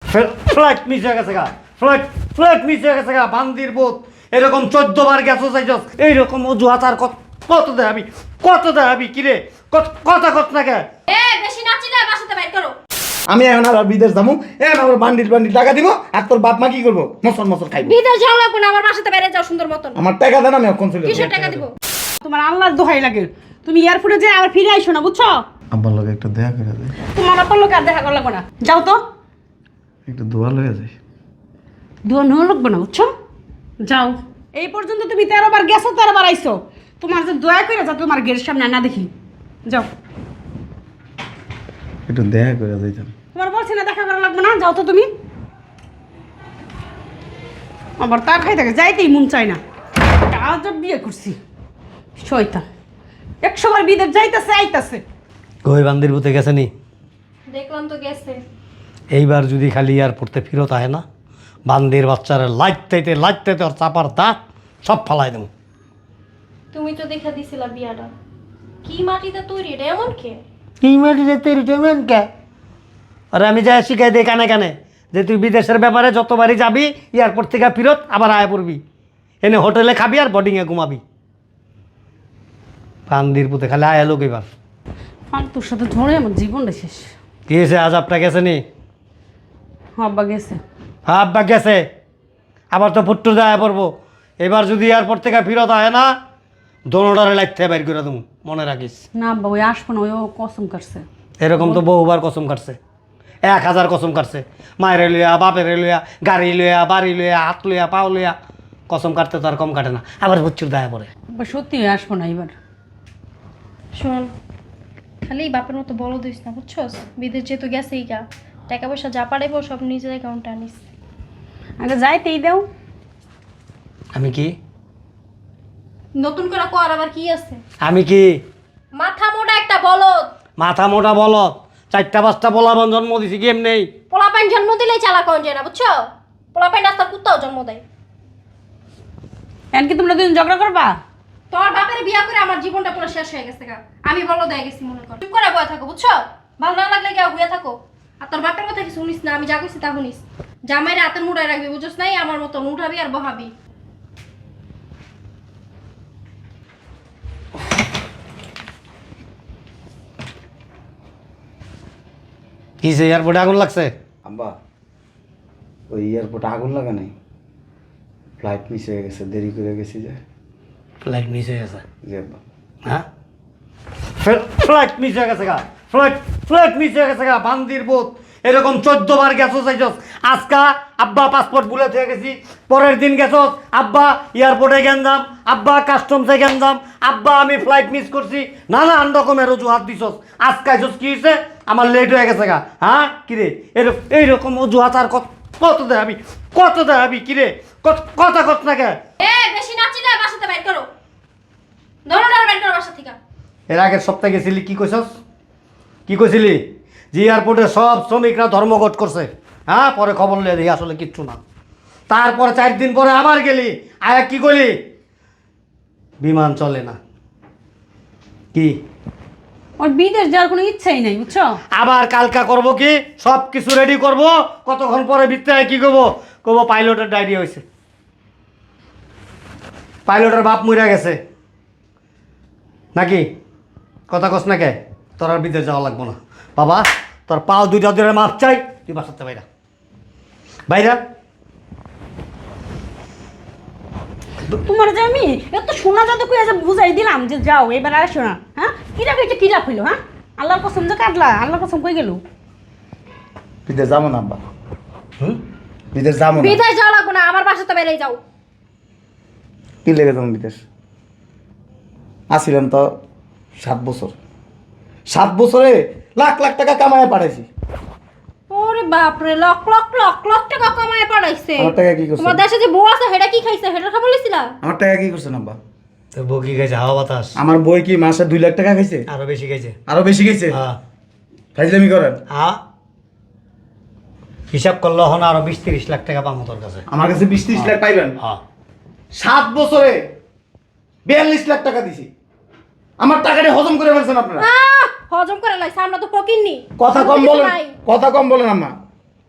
Flight miss হয়ে গেছে গা, ফ্লাইট মিস হয়ে গেছে গা, বান্দির বোধ এরকম 14 বার গেছো চাইছস, এইরকম অজুহাত আর কত দেখাবি কিরে, কথা কত না কে? বেশি নাচি না, বাসাতে বাইর করো। আমি এখন আর বিদেশ যাবো, এখন আমার বান্ডিল টাকা দিব, আর তোর বাপ মা কি করবো? মসল খাইবো। বিদেশ যাও লাগবে না, আমার বাসাতে বাইরে যাও সুন্দর মতন। আমার টাকা দেন, আমি এখন চলে কিসের টাকা দিব? তোমার আল্লাহর দোহাই লাগে, তুমি এয়ারপোর্টে যে আবার ফিরে আইসো না, বুঝছো? আব্বার লোক একটা দেখা করে দেয়, তোমার আপার লোক আর দেখা করা লাগবে না, যাও তো। একটু দোয়া লয়ে যায়। দোয়া নেওয়া লাগবে না, বুঝছো? যাও। এই পর্যন্ত তুমি 13 বার গেছো, 13 বার আইসো। তোমার যে দয়া করে যা তোমার গেটের সামনে না দেখি, যাও। একটু দেখা করে দিতাম। তোমার বলছি না দেখা করা লাগবে না, যাও তো তুমি। আবার তা খাই থাকে, যাইতেই মন চায় না। আজ বিয়ে করছি শয়তান, 100 বার বিদেশ যাইতেছে আইতাছে। কই বান্দির বুতে গেছে নি? দেখলাম তো গেছে। এইবার যদি খালি এয়ারপোর্টে ফিরত আয় না, বান্দির বাচ্চারা লাইতে ওর চাপার দাঁত সব ফালাই দেবো। তুমি তো দেখা দিছিলা বিয়াটা কি মাটিতে তৈরি, এটা এমন কে? কি মাটিতে তৈরি টেমেন কে? আরে আমি যাই শিখাই দিই কানে যে তুই বিদেশের ব্যাপারে যতবারই যাবি এয়ারপোর্ট থেকে ফিরত আবার আয় পড়বি, এনে হোটেলে খাবি আর বোর্ডিংয়ে ঘুমাবি। বান্দির পুতে খালি আয় লোক এবার। ফালতুর সাথে ঝড়ে আমার জীবনটা শেষ। কি হয়েছে, আজ আপটা গেছে নি? আব্বা গেছে। আব্বা গেছে, আবার তো ফুট্টু যায় পড়বো। এবার যদি এয়ারপোর্ট থেকে ফিরত আয় না, দোনোটারে লাগতে বাইর করে দেবো, মনে রাখিস। না আব্বা ওই আসবো না, ওই ও কসম কাটছে। এরকম তো বহুবার কসম কাটছে, 1000 কসম কাটছে। মায়ের লইয়া, বাপের লইয়া, গাড়ি লইয়া, বাড়ি লইয়া, হাত লইয়া, পাও লইয়া কসম কাটতে তো আর কম কাটে না, আবার প্রচুর দায়া পড়ে। আব্বা সত্যি আসবো না এবার। শোন, খালি বাপের মতো বলো দিস না, বুঝছস? বিদেশ যেহেতু গেছেই গা, টাকা পয়সা যা পারাইবো সব নিজের অ্যাকাউন্টে আনিস। আগে যাইতেই দাও। আমি কি নতুন করে কর আবার কি আছে? আমি কি মাথা মোটা একটা বলদ। মাথা মোটা বলত, 4-5টা বলাবন জন্ম দিছি কি এমনি? পোলাপাইন জন্ম দিলেই চালাক হন যায় না, বুঝছো? পোলাপাইন রাস্তার কুত্তাও জন্ম দেয়। এমনকি তোমরা দুজন ঝগড়া করবা? তোমার বাপের বিয়া করে আমার জীবনটা পুরো শেষ হয়ে গেছে গা। আমি বলদ হয়ে গেছি মনে কর। চুপ করে বয়ে থাকো, বুঝছো? ভালো না লাগলে কেউ হয়ে থাকো। আর তোর বাপের কথা কিছু শুনিস না, আমি যা কইছি তা শুনিস। জামাইরে হাতের মুড়ায় রাখবি, বুঝছস নাই? আমার মতো উঠাবি আর বহাবি। কি সে এয়ারপোর্টে আগুন লাগছে? আব্বা ওই এয়ারপোর্টে আগুন লাগা নাই, ফ্লাইট মিস হয়ে গেছে, দেরি করে গেছি যে। ফ্লাইট মিস হয়ে গেছে? জি আব্বা। হ্যাঁ, ফ্লাইট মিস হয়ে গেছে গা, ফ্লাইট মিস হয়ে গেছে গা, বান্দির বোধ এরকম 14 বার গেছো চাইছস। আজকা আব্বা পাসপোর্ট ভুলে থেকে গেছি, পরের দিন গেছস আব্বা এয়ারপোর্টে গেন্দাম, আব্বা কাস্টমসে গেন্দাম, আব্বা আমি ফ্লাইট মিস করছি, নানান রকমের অজুহাত দিছস। আজকে আইছস কি হয়েছে? আমার লেট হয়ে গেছে গা। হ্যাঁ কিরে, এইরকম অজুহাত আর কত দেখাবি কিরে, কথা কত না কে? বেশি নাচি না, বাসাতে বাইর করো। দরকার বাইর করো বাসা থেকে। এর আগের সপ্তাহে গেছিলি, কি কইছস? কি কইছিলি? যে এয়ারপোর্টে সব শ্রমিকরা ধর্মঘট করছে। হ্যাঁ, পরে খবর লিয়ে দেখি আসলে কিচ্ছু না। তারপরে 4 দিন পরে আবার গেলি, আয়া কি করলি? বিমান চলে না। কি ওর বিদেশ যাওয়ার কোনো ইচ্ছাই নাই, বুঝছো? আবার কালকা করব কি? সব কিছু রেডি করব, কতক্ষণ পরে ভিতরে কি কব পাইলটের ডায়রিয়া হয়েছে, পাইলটের বাপ মরে গেছে নাকি? কথা কস না কে? তোর আর বিদেশ যাওয়া লাগবো না বাবা, তোর পাও 2টা ধরে মাপ চাই, তুই বাসাতে বাইরা। তোমার যে আমি এত শোনা যাতে কই আজ বুঝাই দিলাম যে যাও এবার আর শোনা। হ্যাঁ কিরা কইছে, কিরা কইলো? হ্যাঁ আল্লাহর কসম যে কাটলা, আল্লাহর কসম কই গেল? বিদেশ যাবো না আব্বা, বিদেশ যাবো না। বিদেশ যাওয়া লাগবে না, আমার বাসাতে বাইরে যাও। কি লেগে যাবো বিদেশ? আসছিলাম তো 7 বছর, 7 বছরে লাখ টাকা কামায় পাঠাইছি। ওরে বাপ রে, লক টাকা কামায় পাঠাইছে। আমার টাকা কি করছে? তোমার দেশে যে বউ আছে হেডা কি খাইছে, হেডা খাবার লইছিলা? আমার টাকা কি করছেন আব্বা? তোর বউ কি খাইছে? হাওয়া বাতাস। আমার বই কি মাসে 2 লাখ টাকা খাইছে? আরো বেশি খাইছে। আরো বেশি খাইছে? হ্যাঁ ফাইজলামি করেন। হ্যাঁ, হিসাব করলে হন আরো 20-30 লাখ টাকা পাবো তোর কাছে। আমার কাছে 20-30 লাখ পাইবেন? হ্যাঁ, 7 বছরে 42 লাখ টাকা দিছি। আমার টাকাটা হজম করে ফেলছেন আপনারা। হজম করে লাইছে, আমরা তো ফকিন্নি। কথা কম বলেন, কথা কম বলেন আম্মা।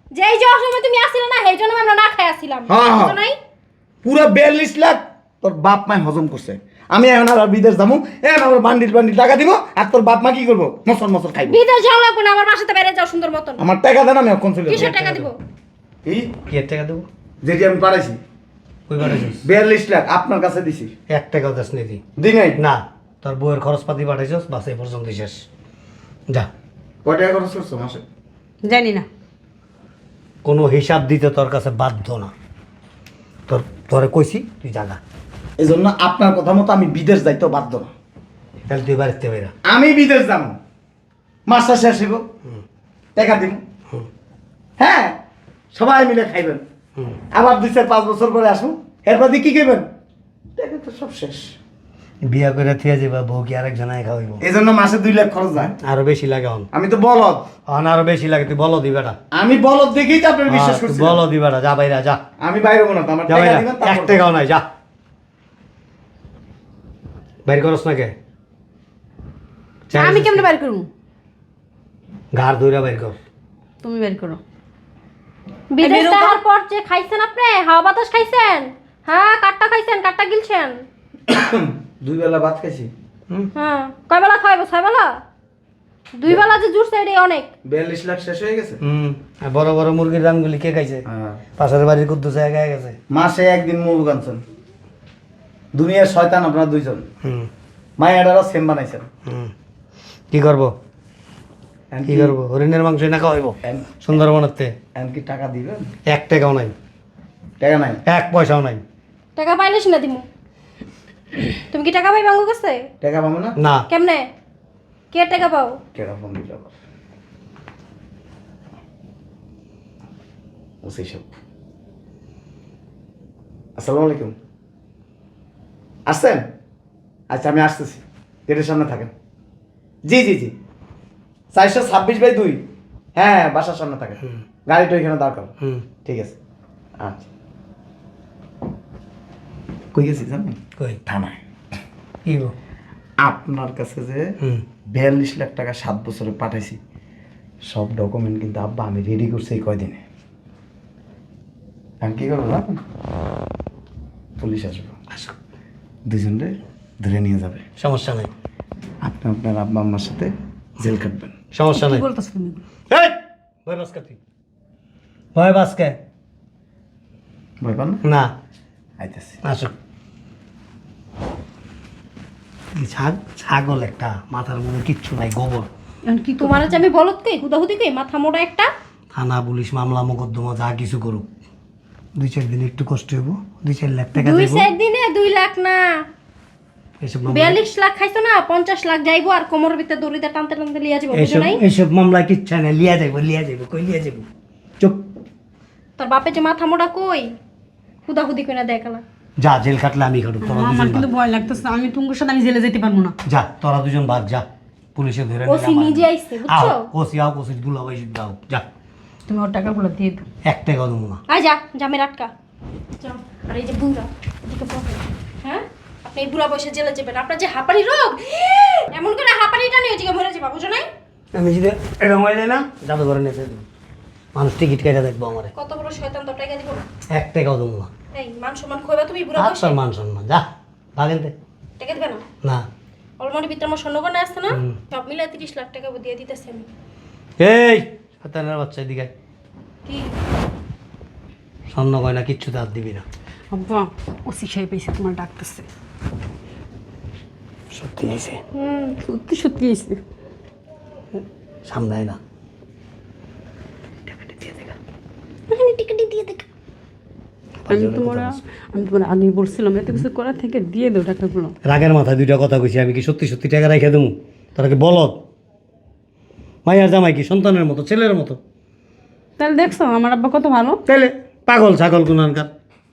যেই যাওয়ার সময় তুমি আসছিলে না সেই জন্য আমরা না খাই আসছিলাম হ্যাঁ, হ্যাঁ। বুঝো নাই? পুরো 42 লাখ তোর বাপ মায় হজম করছে। আমি এখন আর বিদেশ যাবো, এখন আমার বান্ডিল বান্ডিল টাকা দিব, আর তোর বাপ মা কি করবো? মসন মসন খাইব। বিদেশ যাও লাগবে না, আমার বাসাতে বাইরে যাও সুন্দর মতন। আমার টাকা দেন, আমি এখন চলে যাবো। কিসের টাকা দিব? এই কি এর টাকা দেবো? যেটি আমি পাঠাইছি কই পাঠাইছিস? 42 লাখ আপনার কাছে দিছি। 1 টাকাও দাস নিদি দি নাই? না, তোর বউয়ের খরচপাতি পাঠাইছস, বাস এই পর্যন্ত শেষ। যা, কয় টাকা খরচ করছো মাসে? জানি না। কোনো হিসাব দিতে তোর কাছে বাধ্য না। তোরে কইছি তুই জাগা, এই জন্য আপনার কথা মতো আমি বিদেশ যাইতে বাধ্য না। তাহলে তুই বাড়িতে বেরা। আমি বিদেশ যাবো, মাসটা শেষ হইব, টাকা দিব। হ্যাঁ, সবাই মিলে খাইবেন। আবার 2-4-5 বছর পরে আসুন, এরপর দিয়ে কি খাইবেন? টাকা তো সব শেষ। বিয়া করে থিয়া যাবা, বউ কি আরেকজনায় খাওয়াইব? এই জন্য মাসে 2 লাখ খরচ যায়। আরো বেশি লাগে হন। আমি তো বলদ, আরো বেশি লাগে, তুই বলো দিবাটা। আমি বলদ দেখেই তো আপনার বিশ্বাস করছি। বলো দিবাটা, যা বাইরা যা, আমি বাইরে হবো না তো, আমার যা টাকা বাইরা। দিবেন 1 তারপর। টাকাও নাই, যা বাইর করস না কে? আমি কেমনে বের করবো? ঘাড় ধইরা বাইর কর। তুমি বের করো। বিদেশ যাওয়ার পর যে খাইছেন আপনি, হাওয়া বাতাস খাইছেন, হ্যাঁ কাটটা খাইছেন, কাটটা গিলছেন। 2 বেলা ভাত খাইছি। হ্যাঁ, কয় বেলা খাইবো? 6 বেলা? 2 বেলা যে জুড়ছে এটাই অনেক। 42 লাখ শেষ হয়ে গেছে। আর বড় বড় মুরগির দামগুলি কে খাইছে? হ্যাঁ। পাশের বাড়ির কুদ্দুস গায়ে গেছে। মাসে একদিন মুরগ আনছেন। দুনিয়ার শয়তান আপনারা দুইজন। হুম মায়াডারও সেম বানাইছেন। হুম কি করবো? কি করবো? হরিণের মাংস না খাওয়াইবো সুন্দরবনেতে? এমনকি টাকা দিবেন? 1 টাকাও নাই, টাকা নাই। 1 পয়সাও নাই। টাকা পাইলে না দিমু। তুমি কি টাকা পাই বাঙ্গু কাছে? টাকা পাবো না? না, কেমনে? কে টাকা পাও? কেডা ফোন দিল আবার? ওসি সব। আসসালামু আলাইকুম। আসছেন? আচ্ছা আমি আসতেছি, গেটের সামনে থাকেন। জি জি জি, 426/2। হ্যাঁ, বাসার সামনে থাকেন। গাড়িটা ওইখানে দাঁড় করো। ঠিক আছে, আচ্ছা। কই গেছি জানেন? কই? থানায়। কি গো? আপনার কাছে যে 42 লাখ টাকা 7 বছরে পাঠাইছি, সব ডকুমেন্ট কিন্তু আব্বা আমি রেডি করছি এই কয়দিনে। আমি কি করবো জানেন? পুলিশ আসবো, আসো, দুজনরে ধরে নিয়ে যাবে। সমস্যা নাই, আপনি আপনার আব্বা আম্মার সাথে জেল কাটবেন। সমস্যা কি নাই। বলতেছো তুমি? এই ভয় বাসকা, তুই ভয় বাসকে ভয় পান না? না। আইতেছি। আসো। ছাগল একটা, মাথার মধ্যে কিচ্ছু নাই, গোবর। এখন কি তোমার যে আমি বলত কই, হুদাহুদি কই, মাথা মোটা একটা। থানা পুলিশ মামলা মোকদ্দমা যা কিছু করুক, 2-4 দিন একটু কষ্ট হইব, 2-4 লাখ টাকা 2 দেবো। 4 দিনে 2 লাখ না, এইসব মামলা 42 লাখ খাইছো না, 50 লাখ যাইবো, আর কোমরের ভিতরে দড়িতে টানতে টানতে লিয়া যাবো, বুঝো এইসব নাই? এইসব মামলা কিচ্ছা নাই, লিয়া যাইব কই লিয়া যাইব? চুপ, তোর বাপে যে মাথা মোটা কই, হুদাহুদি কই না দেখালা। যা, জেল খাটলে আমি খাটুক, তোরা আমার দুজন কিন্তু ভাগ। ভয় লাগতেছে। আমি তোমার সাথে আমি জেলে যেতে পারবো না। যা, তোরা দুজন ভাগ, যা, পুলিশে ধরে নিয়ে ওসি নিজে আইছে, বুঝছো? ওসি দুলাভাই দাও, যা। তুমি ওর টাকাগুলো দিয়ে দাও। 1 টাকাও দেবো না। আয় যা, জামের আটকা যাও। আর এই যে বুড়া, এদিকে বসে। হ্যাঁ, আপনি এই বুড়া বয়সে জেলে যাবেন, আপনার যে হাঁপানি রোগ, এমন করে হাঁপানিটা নিয়ে ওদিকে মরে যাবা, বুঝো নাই? আমি যদি এরকম হয়ে যায় না, যাবে ঘরে নিতে দেবো, মানুষ টিকিট কেটে দেখবো আমারে। কত বড় শয়তান, তোর টাকা দিব না। 1 টাকাও দেবো না। এই মান সম্মান খইবা তুমি বুড়া বয়সে, তোর মান সম্মান, যা ভাগেন দে। টাকা দিবে না? না। অলমারির ভিতরে আমার স্বর্ণগয়না আসছে না, সব মিলে 30 লাখ টাকা দিয়ে দিতেছি আমি। এই শয়তানের বাচ্চা, এদিকে আয়। কি? স্বর্ণ গয়না কিচ্ছু হাত দিবি না। আব্বা, ওসি সাহেব এসে তোমার ডাকতেছে। সত্যি হয়েছে? সত্যি সত্যি এসে। সামনে আয় না। ওখানে টিকিট দিয়ে দেখ। আমি তোমার আগে বলছিলাম এত কিছু করার থেকে দিয়ে দাও টাকাগুলো। রাগের মাথায় 2টা কথা কইছি, আমি কি সত্যি সত্যি টাকা রেখে দেবো? তারা কি বলদ? মাইয়ার জামাই কি সন্তানের মতো, ছেলের মতো? তাহলে দেখছো আমার আব্বা কত ভালো। তাইলে পাগল ছাগল কোনখানকার।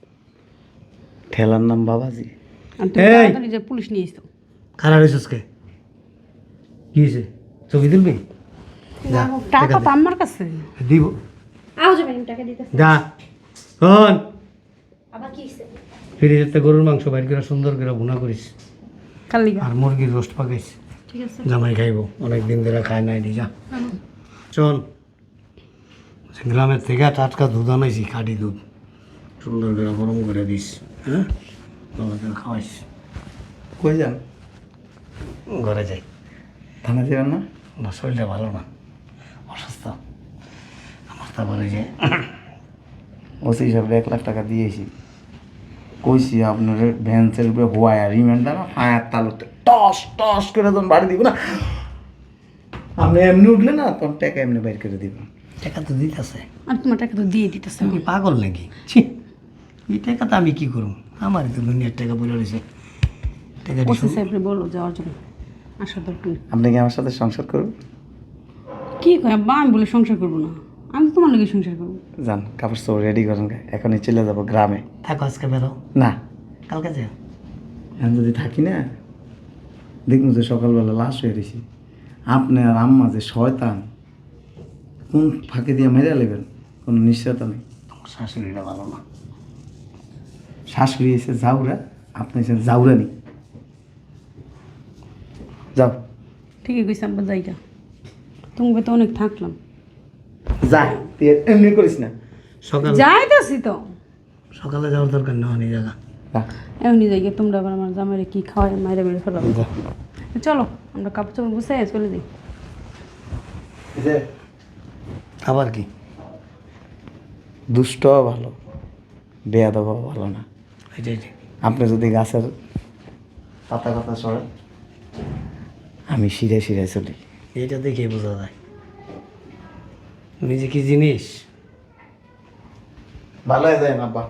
ঠেলার নাম বাবাজি। আর তুমি এই! তাড়াতাড়ি যে পুলিশ নিয়ে এসো। খারাপ হয়েছিস কে? কি হয়েছে? ছবি তুলবি? যা, টাকা তো আমার কাছে। দিব। আও যাবেন, টাকা দিতেছি। যা শোন, আবার কি হইছে? ফ্রিজেতে গরুর মাংস বাইর করে সুন্দর করে ভুনা করিস, কালি আর মুরগির রোস্ট পাকাইস। ঠিক আছে। জামাই খাইব, অনেক দিন ধরে খায় নাই, দি যা। শোন, গ্রামের থেকে টাটকা দুধ আনাইছি, খাঁটি দুধ, সুন্দর করে গরম করে দিস, হ্যাঁ গরম করে খাওয়াইস। কই যান? ঘরে যাই। থানা যাবেন না? না, শরীরটা ভালো না, অসুস্থ আমার। তারপরে যে ওসি হিসাবে 1 লাখ টাকা দিয়েছি, কইছি আপনার ভ্যান্সের উপরে হোয়ায় রিমান্ডার ফায়ার তালুতে টস টস করে তখন বাড়ি দিব না, আপনি এমনি উঠলে না তখন টাকা এমনি বাইর করে দিব। টাকা তো দিতেছে, আর তোমার টাকা তো দিয়ে দিতেছে। তুমি পাগল নাকি? ছি, এই টাকা তো আমি কি করুম? আমারই তো দুনিয়ার টাকা বলে রয়েছে। টাকা ওসি সাহেবরে বলো যাওয়ার জন্য, আসার দরকার নেই। আপনি কি আমার সাথে সংসার করবেন? কি কয় আব্বা, আমি বলে সংসার করবো না, আমি তো তোমার লগে সংসার করবো। যান কাপড় চোপড় রেডি করেন, এখনই চলে যাবো গ্রামে। থাকো, আজকে বেরো, না, কালকে যাও। এখন যদি থাকি না দেখুন যে সকালবেলা লাশ হয়ে গেছি, আপনি আর আম্মা যে শয়তান, কোন ফাঁকে দিয়ে মেরে নেবেন কোনো নিশ্চয়তা নেই। তোমার শাশুড়িটা ভালো না। শাশুড়ি এসে যাওরা, আপনি এসে যাওরানি। যাও ঠিকই কইছে আব্বা, জায়গা তুমি তো অনেক থাকলাম। যা, তুই এমনি করিস না। সকাল যাইতেছি তো, সকালে যাওয়ার দরকার নেই, অনেক জায়গা। যা। এমনি জায়গা তোমরা আবার আমার জামাইরে কি খাওয়াই মাইরে মেরে ফেলাবো। চলো আমরা কাপড় চোপড় গুছাই চলে যাই। এই যে আবার কি? দুষ্ট ভালো, বেয়াদব ভালো না। এটাই। আপনি যদি গাছের পাতা কথা সরেন, আমি শিরায় শিরায় চলি। এটা দেখে বোঝা যায় তুমি যে কি জিনিস। ভালো হয়ে যায় আব্বা।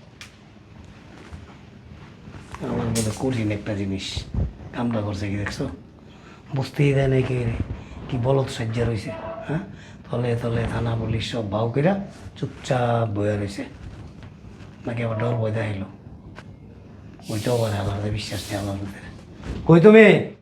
আমার মধ্যে কঠিন একটা জিনিস কামটা করছে, কি দেখছো? বুঝতেই দেয় নাই, কি বলদ সাজ্জা রয়েছে, হ্যাঁ তলে তলে থানা পুলিশ সব ভাও কইরা চুপচাপ বয়ে রয়েছে। নাকি আবার ডর বই দেখাইলো, ওইটাও আবার আল্লাহর বিশ্বাস নেই, আল্লাহর ভিতরে। কই তুমি?